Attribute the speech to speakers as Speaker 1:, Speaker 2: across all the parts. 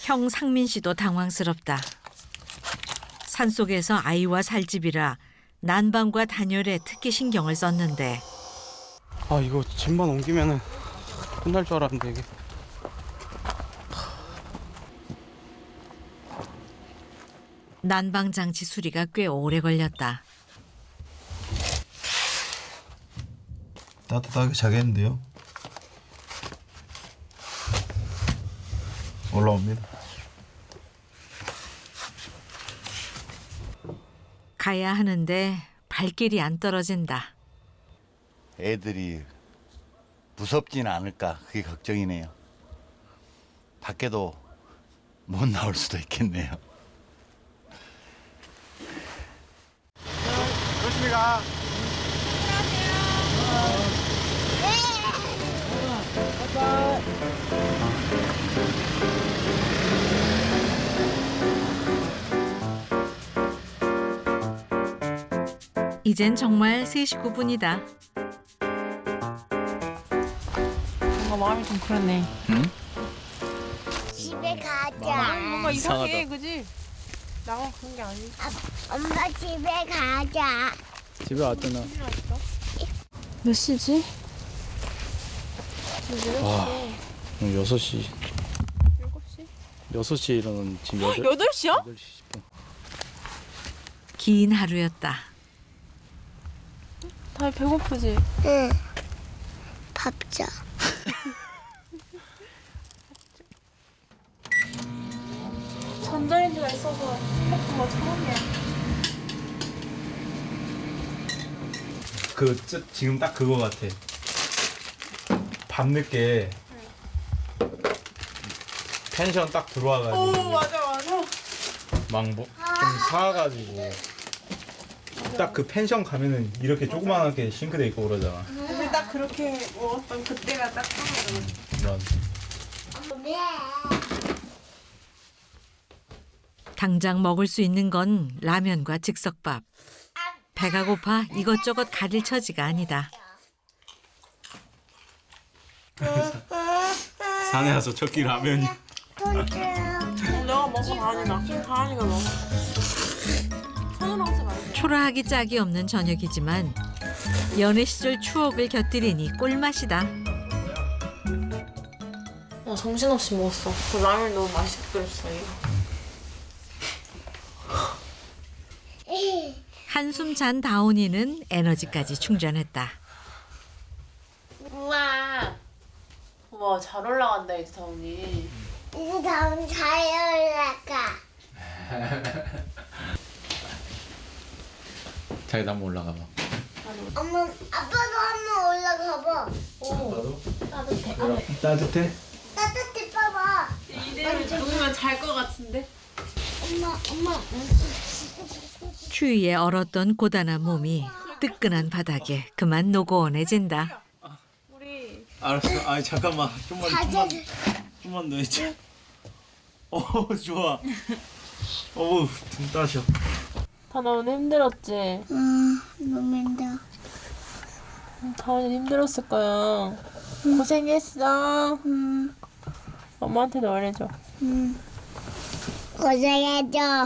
Speaker 1: 형 상민 씨도 당황스럽다. 산속에서 아이와 살 집이라 난방과 단열에 특히 신경을 썼는데
Speaker 2: 아 이거 짐만 옮기면은 끝날 줄 알았는데 이게.
Speaker 1: 난방 장치 수리가 꽤 오래 걸렸다.
Speaker 3: 따뜻하게 자겠는데요? 올라옵니다.
Speaker 1: 가야 하는데 발길이 안 떨어진다.
Speaker 4: 애들이 무섭지는 않을까 그게 걱정이네요. 밖에도 못 나올 수도 있겠네요.
Speaker 2: 조심히 가.
Speaker 1: 이젠 정말 새 식구분이다.
Speaker 5: 뭔가 마음이 좀 그렇네.
Speaker 6: 집에 가자.
Speaker 5: 뭔가 이상해, 그지? 나만 그런 게 아니지.
Speaker 6: 엄마 집에 가자.
Speaker 2: 집에 왔잖아.
Speaker 5: 몇 시지?
Speaker 2: 와 6시.
Speaker 5: 7시?
Speaker 2: 6시에 일어나는 지금
Speaker 5: 8시야?
Speaker 2: 8시 10분.
Speaker 1: 긴 하루였다.
Speaker 5: 다들 배고프지?
Speaker 6: 응. 밥자.
Speaker 5: 전자레인지가 있어서 행복한 거 처음이야.
Speaker 2: 지금 딱 그거 같아. 밤늦게 펜션 딱 들어와가지고
Speaker 5: 맞아.
Speaker 2: 좀 사가지고 딱 그 펜션 가면은 이렇게 조그맣게 싱크대 있고 그러잖아.
Speaker 5: 근데 딱 그렇게 먹었던 그때가 딱 생각나.
Speaker 2: 난
Speaker 1: 당장 먹을 수 있는 건 라면과 즉석밥. 배가 고파 이것저것 가릴 처지가 아니다.
Speaker 2: 산에 와서 첫 끼 라면이.
Speaker 5: 내가 먹어, 다한이가 먹어. 손으로 하지 말고.
Speaker 1: 초라하기 짝이 없는 저녁이지만 연애 시절 추억을 곁들이니 꿀맛이다.
Speaker 5: 정신없이 먹었어. 그 라면 너무 맛있게 끓였어, 이거.
Speaker 1: 한숨 잔 다온이는 에너지까지 충전했다.
Speaker 5: 우와. 우와, 잘 올라간다, 이제 다운이.
Speaker 6: 이제 다음 잘 올라가.
Speaker 2: 자기도 한번 올라가 봐.
Speaker 6: 엄마, 아빠도 한번 올라가 봐.
Speaker 5: 오, 따뜻해.
Speaker 2: 따뜻해?
Speaker 6: 따뜻해 봐봐.
Speaker 5: 이대로 누우면 잘 것 같은데?
Speaker 6: 엄마.
Speaker 1: 추위에 얼었던 고단한 몸이 뜨끈한 바닥에 그만 노고원해진다.
Speaker 5: 우리
Speaker 2: 알았어. 아니 잠깐만. 좀만 더 있자. 좋아. 등 따셔.
Speaker 5: 다나 오늘 힘들었지?
Speaker 6: 너무 힘들어.
Speaker 5: 다은이 힘들었을 거야. 고생했어. 엄마한테도 말해줘.
Speaker 6: 고생해줘.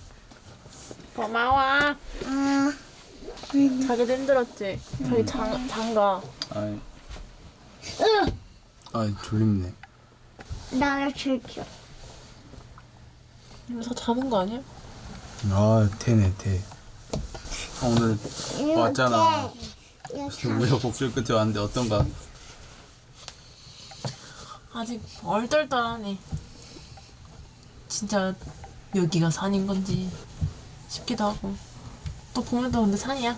Speaker 5: 고마워. 자기도 힘들었지? 자기 장가.
Speaker 2: 아이 졸립네.
Speaker 6: 나를 줄게.
Speaker 5: 이거 다 자는 거 아니야?
Speaker 2: 태네 태. 오늘 왔잖아.
Speaker 6: 이렇게.
Speaker 2: 우여곡절 끝에 왔는데 어떤가?
Speaker 5: 아직 얼떨떨하네. 진짜 여기가 산인 건지 싶기도 하고. 또 보면 또 근데 산이야.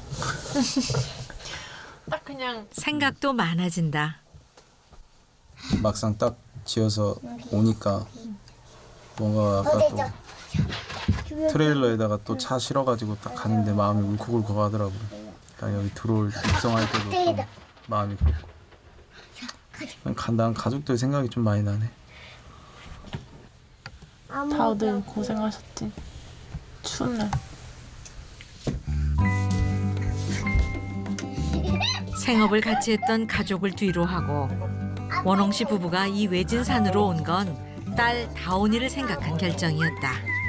Speaker 5: 딱 그냥
Speaker 1: 생각도 많아진다.
Speaker 7: 막상 딱 지어서 오니까 뭔가 아까 또 트레일러에다가 또 차 실어가지고 딱 가는데 마음이 울컥울컥 하더라고요. 그러니까 여기 들어올 입성할 때도 좀 마음이 그렇고 그냥 간다는 가족들 생각이 좀 많이 나네.
Speaker 5: 다들 고생하셨지. 추운 날.
Speaker 1: 생업을 같이 했던 가족을 뒤로 하고 원홍 씨 부부가 이 외진 산으로 온 건 딸 다온이를 생각한 결정이었다.